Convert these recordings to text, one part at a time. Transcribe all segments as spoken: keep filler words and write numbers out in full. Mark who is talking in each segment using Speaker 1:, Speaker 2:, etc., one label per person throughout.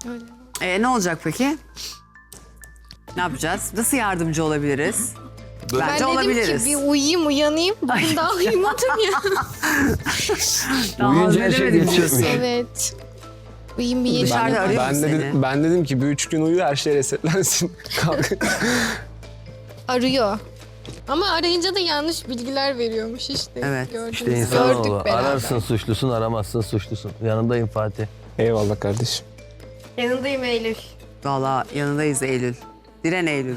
Speaker 1: Öyle.
Speaker 2: Ee, ne olacak peki? Ne yapacağız? Nasıl yardımcı olabiliriz?
Speaker 1: Ben
Speaker 2: Bence
Speaker 1: dedim
Speaker 2: olabiliriz.
Speaker 1: ki bir uyuyayım uyanayım. Bugün daha uyumadım ya.
Speaker 2: Daha
Speaker 3: Uyuyunca her şey
Speaker 2: hazmedemedim
Speaker 3: geçecek
Speaker 2: diyorsun.
Speaker 1: Evet. Uyuyayım bir
Speaker 2: Dışarıda
Speaker 1: yeşil.
Speaker 2: arıyor
Speaker 4: Ben
Speaker 2: musun
Speaker 4: dedim,
Speaker 2: seni?
Speaker 4: ben dedim ki bir üç gün uyu her şey resetlensin. Kalk.
Speaker 1: Arıyor. Ama arayınca da yanlış bilgiler veriyormuş işte.
Speaker 2: Evet.
Speaker 1: Gördünüz.
Speaker 3: İşte
Speaker 1: Gördük
Speaker 3: insanoğlu.
Speaker 1: beraber.
Speaker 3: Ararsın suçlusun, aramazsın suçlusun. Yanındayım Fatih.
Speaker 4: Eyvallah kardeşim.
Speaker 1: Yanındayım Eylül.
Speaker 2: Valla yanındayız Eylül. Diren Eylül.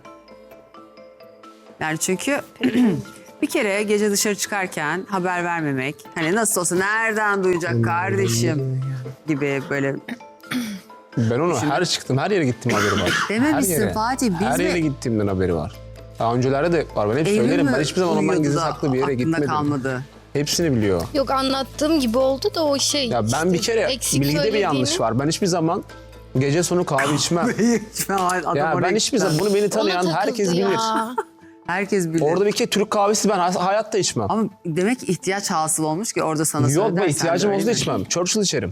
Speaker 2: Yani çünkü bir kere gece dışarı çıkarken haber vermemek, hani nasıl olsa nereden duyacak kardeşim gibi böyle
Speaker 4: Ben onu her çıktım, her yere gittim haberi var.
Speaker 2: dememişsin
Speaker 4: Her yere.
Speaker 2: Fatih. Biz
Speaker 4: Her
Speaker 2: mi?
Speaker 4: yere gittiğimden haberi var. Daha öncelerde de var. Ben hep
Speaker 2: Eylül
Speaker 4: söylerim.
Speaker 2: mü
Speaker 4: Ben hiçbir zaman ondan
Speaker 2: uyuyordu
Speaker 4: gizli
Speaker 2: da
Speaker 4: saklı bir yere
Speaker 2: aklında
Speaker 4: gitmedim.
Speaker 2: kalmadı.
Speaker 4: Hepsini biliyor.
Speaker 1: Yok anlattığım gibi oldu da o şey.
Speaker 4: Ya ben
Speaker 1: işte
Speaker 4: bir kere
Speaker 1: eksik
Speaker 4: bilgide bir yanlış
Speaker 1: söylediğini-
Speaker 4: var. Ben hiçbir zaman gece sonu kahve içmem.
Speaker 2: Adam
Speaker 4: ya
Speaker 2: oraya
Speaker 4: ben hiçbir zaman bunu beni
Speaker 1: Ona
Speaker 4: tanıyan
Speaker 1: takıldı
Speaker 4: herkes
Speaker 1: ya.
Speaker 4: bilir.
Speaker 2: Herkes bilir.
Speaker 4: Orada bir kere Türk kahvesi ben hay- hayatta içmem.
Speaker 2: Ama demek ki ihtiyaç hasıl olmuş ki orada sana
Speaker 4: Yok
Speaker 2: söylersen
Speaker 4: be ihtiyacım
Speaker 2: de
Speaker 4: olsa da
Speaker 2: öyle.
Speaker 4: içmem. Churchill içerim.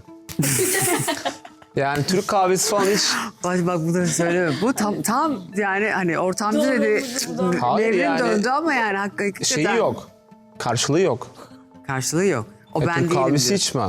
Speaker 4: Yani Türk kahvesi falan hiç.
Speaker 2: Bak bak bunları söyleme. Bu tam tam yani hani ortamcı dedi.
Speaker 4: Hayır
Speaker 2: Devrim
Speaker 4: yani.
Speaker 2: döndü ama yani hakikaten.
Speaker 4: Şeyi yok. Karşılığı yok.
Speaker 2: Karşılığı yok. O
Speaker 4: Ya
Speaker 2: ben
Speaker 4: Türk
Speaker 2: değilim
Speaker 4: kahvesi
Speaker 2: diyor.
Speaker 4: içmem.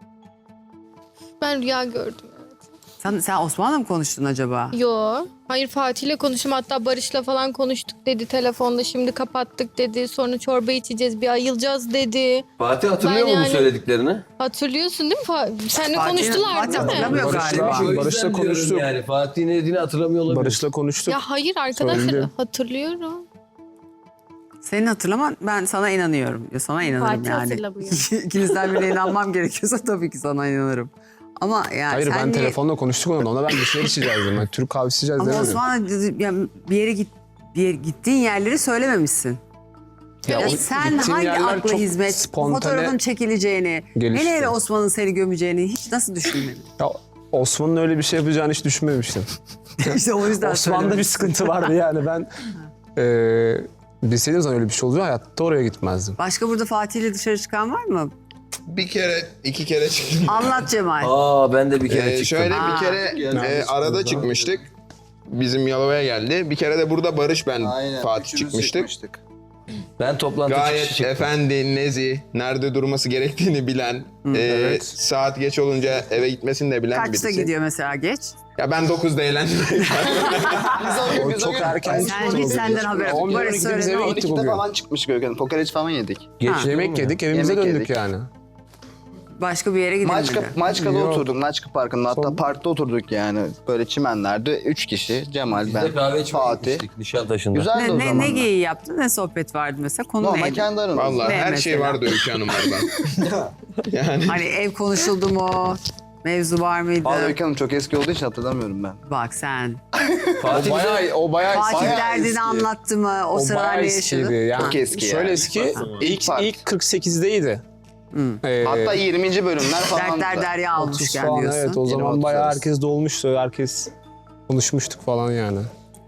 Speaker 1: Ben rüya gördüm.
Speaker 2: Sen, sen Osman'la mı konuştun acaba?
Speaker 1: Yo. Hayır Fatih'le konuştum. Hatta Barış'la falan konuştuk dedi telefonda. Şimdi kapattık dedi. Sonra çorba içeceğiz. Bir ayılacağız dedi.
Speaker 3: Fatih hatırlıyor
Speaker 1: Ben
Speaker 3: mu bu
Speaker 1: yani-
Speaker 3: söylediklerini?
Speaker 1: Hatırlıyorsun değil mi? Fa- Seninle
Speaker 2: Fatih-
Speaker 1: konuştular
Speaker 2: Fatih
Speaker 1: değil mi?
Speaker 2: hatırlamıyor
Speaker 4: Barış'la-
Speaker 2: galiba.
Speaker 4: Barış'la
Speaker 3: O yüzden diyorum
Speaker 4: konuştuk.
Speaker 3: Yani Fatih'in ne dediğini hatırlamıyor olabilir.
Speaker 4: Barış'la konuştuk.
Speaker 1: Ya hayır arkadaşlar
Speaker 4: Söyledi.
Speaker 1: hatırlıyorum.
Speaker 2: Senin hatırlaman ben sana inanıyorum. Ya sana inanırım
Speaker 1: Fatih
Speaker 2: yani.
Speaker 1: hatırlamıyor.
Speaker 2: İkinizden birine inanmam gerekiyorsa tabii ki sana inanırım. Ama yani
Speaker 4: Hayır
Speaker 2: sen
Speaker 4: ben
Speaker 2: niye-
Speaker 4: telefonla konuştuk onunla. Ona ben bir şeyler içeceğiz dedim. Ben Türk kahvesi içeceğiz
Speaker 2: Ama
Speaker 4: demedim.
Speaker 2: Osman'a dedi- ya bir yere git bir yere, gittiğin yerleri söylememişsin.
Speaker 4: Ya
Speaker 2: Ya
Speaker 4: o
Speaker 2: sen
Speaker 4: gittiğim
Speaker 2: hangi
Speaker 4: yerler
Speaker 2: akla
Speaker 4: çok
Speaker 2: hizmet,
Speaker 4: spontane
Speaker 2: fotoğrafın çekileceğini,
Speaker 4: gelişti.
Speaker 2: hele hele Osman'ın seni gömeceğini hiç nasıl düşünmedin?
Speaker 4: Ya Osman'ın öyle bir şey yapacağını hiç düşünmemiştim.
Speaker 2: işte o yüzden
Speaker 4: Osman'da bir
Speaker 2: söylemedim.
Speaker 4: sıkıntı vardı yani ben eee bilseydim zaman öyle bir şey olacak hayatta oraya gitmezdim.
Speaker 2: Başka burada Fatih'le dışarı çıkan var mı?
Speaker 5: Bir kere, iki kere çıktım.
Speaker 2: Anlat Cemal.
Speaker 3: Aa ben de bir kere
Speaker 5: Ee,
Speaker 3: çıktım.
Speaker 5: şöyle
Speaker 2: Aa.
Speaker 5: bir kere
Speaker 3: Geldi.
Speaker 5: e, arada çıkmıştık. Bizim Yalova'ya geldi. Bir kere de burada Barış ben
Speaker 6: Aynen.
Speaker 5: Fatih
Speaker 6: üçümüz
Speaker 5: çıkmıştık.
Speaker 6: çıkmıştık.
Speaker 3: Ben toplantı çıkışı
Speaker 5: Gayet
Speaker 3: çıktım.
Speaker 5: efendi, nezih, nerede durması gerektiğini bilen, e,
Speaker 4: evet.
Speaker 5: saat geç olunca eve gitmesini de bilen
Speaker 2: Kaçta
Speaker 5: birisi.
Speaker 2: gidiyor mesela geç?
Speaker 5: Ya ben dokuzda eğlendim.
Speaker 4: O çok erken
Speaker 2: Sen hiç senden haber yok.
Speaker 4: on bir on
Speaker 2: Barış
Speaker 4: ikide biz
Speaker 2: söyle ne
Speaker 4: eve
Speaker 2: oldu?
Speaker 4: gittik
Speaker 6: on ikide
Speaker 4: bugün.
Speaker 6: falan çıkmış Gökhan. Kokoreç falan yedik.
Speaker 3: Geç
Speaker 2: Ha.
Speaker 3: değil mi
Speaker 4: Yemek
Speaker 3: ya?
Speaker 4: yedik evimize
Speaker 6: Yemek
Speaker 4: döndük
Speaker 6: yedik.
Speaker 4: yani.
Speaker 2: Başka bir yere gidilmedi.
Speaker 6: Maçka, Maçka'da
Speaker 4: Yok.
Speaker 6: oturduk. Maçka Parkı'nda. Hatta
Speaker 4: Son-
Speaker 6: parkta oturduk yani. Böyle çimenlerde. Üç kişi. Cemal,
Speaker 3: Biz de
Speaker 6: ben,
Speaker 3: kahve içmeye
Speaker 6: Fatih.
Speaker 3: gitmiştik Nişantaşı'nda.
Speaker 6: Güzeldi
Speaker 2: Ne,
Speaker 6: o
Speaker 2: ne,
Speaker 6: zaman.
Speaker 2: ne geyiği yaptın? Ne sohbet vardı mesela? Konu
Speaker 6: Normal
Speaker 2: neydi?
Speaker 6: kendi aranızda.
Speaker 5: Vallahi
Speaker 2: Ne
Speaker 5: her şey
Speaker 2: mesela?
Speaker 5: vardı Öykü Hanımlardan. yani
Speaker 2: Hani ev konuşuldu mu? Mevzu var mıydı?
Speaker 6: Vallahi Öykü Hanım çok eski olduğu için hatırlamıyorum ben.
Speaker 2: Bak sen.
Speaker 3: Fatih
Speaker 4: O bayağı, o bayağı,
Speaker 2: Fatih
Speaker 6: bayağı
Speaker 2: derdini
Speaker 6: eski.
Speaker 2: anlattı mı? O,
Speaker 4: o
Speaker 2: sıralar
Speaker 4: bayağı
Speaker 2: ne
Speaker 4: eskiydi.
Speaker 2: yaşadı?
Speaker 4: Yani
Speaker 6: Çok eski
Speaker 4: Şöyle
Speaker 6: yani.
Speaker 4: eski, ilk,
Speaker 6: Fark.
Speaker 4: ilk kırk sekizdeydi. Ee,
Speaker 6: Hatta yirminci bölümler falan.
Speaker 2: Dertler derya
Speaker 4: otuz
Speaker 2: almışken
Speaker 4: falan,
Speaker 2: diyorsun.
Speaker 4: evet o
Speaker 6: Yeni
Speaker 4: zaman bayağı
Speaker 6: otuzlarız.
Speaker 4: herkes dolmuştu. Herkes konuşmuştuk falan yani.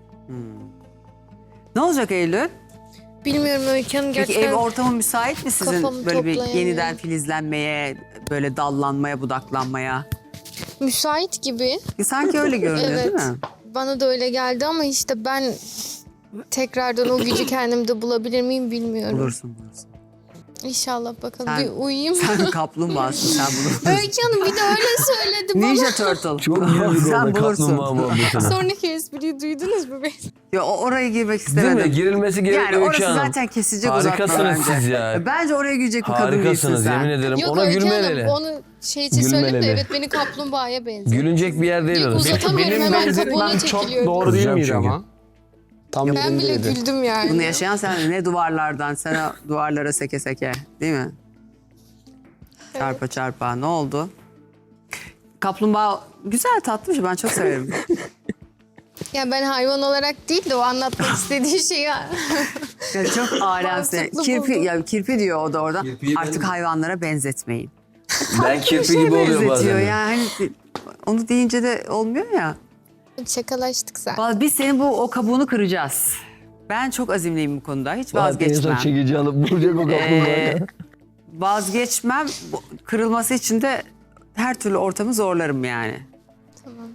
Speaker 2: Ne olacak Eylül?
Speaker 1: Bilmiyorum Öykü Hanım
Speaker 2: Peki
Speaker 1: gerçekten.
Speaker 2: ev ortamı müsait mi sizin
Speaker 1: Kafamı
Speaker 2: böyle bir
Speaker 1: toplayamıyorum.
Speaker 2: yeniden filizlenmeye, böyle dallanmaya, budaklanmaya?
Speaker 1: Müsait gibi.
Speaker 2: E, Sanki öyle görünüyor
Speaker 1: Evet.
Speaker 2: değil mi?
Speaker 1: Bana da öyle geldi ama işte ben tekrardan o gücü kendimde bulabilir miyim bilmiyorum.
Speaker 2: Bulursun bulursun.
Speaker 1: İnşallah bakalım.
Speaker 2: Sen-
Speaker 1: Bir uyuyayım.
Speaker 2: Sen kaplumbağasın sen bunu.
Speaker 1: Öykü Hanım bir de öyle söyledi bana.
Speaker 2: Ninja Turtle.
Speaker 3: çok güldük
Speaker 2: Sen
Speaker 3: orada
Speaker 2: bulursun.
Speaker 3: kaplumbağa muhabbetine.
Speaker 1: Sonraki espriyi duydunuz mu beni?
Speaker 2: Ya o- oraya girmek
Speaker 3: Değil
Speaker 2: istemedim.
Speaker 3: mi? Girilmesi gerekiyor
Speaker 2: Yani
Speaker 3: Öykü
Speaker 2: orası
Speaker 3: Hanım.
Speaker 2: zaten kesilecek uzatma
Speaker 3: Harikasınız
Speaker 2: bence.
Speaker 3: siz ya.
Speaker 2: Bence oraya girecek bir kadın değilsin
Speaker 3: Harikasınız
Speaker 2: sen.
Speaker 3: yemin ederim.
Speaker 1: Yok
Speaker 3: Ona
Speaker 1: Öykü
Speaker 3: gülmeleli.
Speaker 1: Hanım onu şey için söyledim de
Speaker 3: Gülmeleli.
Speaker 1: evet beni kaplumbağaya benziyor.
Speaker 3: Gülünecek bir yer değil
Speaker 1: Yok,
Speaker 3: orası.
Speaker 1: uzatamıyorum
Speaker 4: Benim
Speaker 1: hemen
Speaker 4: benzerimden
Speaker 1: kabuğuna
Speaker 4: çok
Speaker 1: çekiliyorum.
Speaker 4: doğru değil
Speaker 3: Kızacağım
Speaker 4: miydi
Speaker 3: çünkü.
Speaker 4: ama? Tam
Speaker 1: Ben bile
Speaker 4: yerindeydi.
Speaker 1: güldüm yani.
Speaker 2: Bunu yaşayan sen ne duvarlardan, sen o duvarlara seke seke değil mi? Çarpa çarpa ne oldu? Kaplumbağa güzel tatlı bir şey ben çok severim.
Speaker 1: Ya ben hayvan olarak değil de o anlatmak istediği şeyi
Speaker 2: Yani çok alemsin.
Speaker 1: Mantıklı
Speaker 2: Kirpi,
Speaker 1: buldum.
Speaker 2: ya kirpi diyor o da orada.
Speaker 3: Kirpiyi
Speaker 2: Artık
Speaker 3: ben-
Speaker 2: hayvanlara benzetmeyin.
Speaker 3: Ben kirpi
Speaker 2: Bir şey
Speaker 3: gibi oluyor
Speaker 2: benzetiyor
Speaker 3: bazen.
Speaker 2: yani. Hani onu deyince de olmuyor ya.
Speaker 1: şakalaştık sen.
Speaker 2: Vallahi biz senin bu o kabuğunu kıracağız. Ben çok azimliyim bu konuda. Hiç
Speaker 3: Fatih en son
Speaker 2: vazgeçmem.
Speaker 3: çekici alıp vuracak o kaplumbağaya.
Speaker 2: Ee, vazgeçmem. Bu- Kırılması için de her türlü ortamı zorlarım yani.
Speaker 1: Tamam.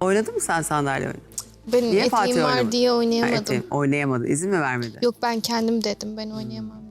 Speaker 2: Oynadın mı sen sandalye oyunu?
Speaker 1: Benim
Speaker 2: Niye Fatih
Speaker 1: eteğim var
Speaker 2: oynamadı?
Speaker 1: diye
Speaker 2: Ha,
Speaker 1: oynayamadım.
Speaker 2: eteğim, oynayamadı. İzin mi vermedi?
Speaker 1: Yok ben kendim dedim ben oynayamam.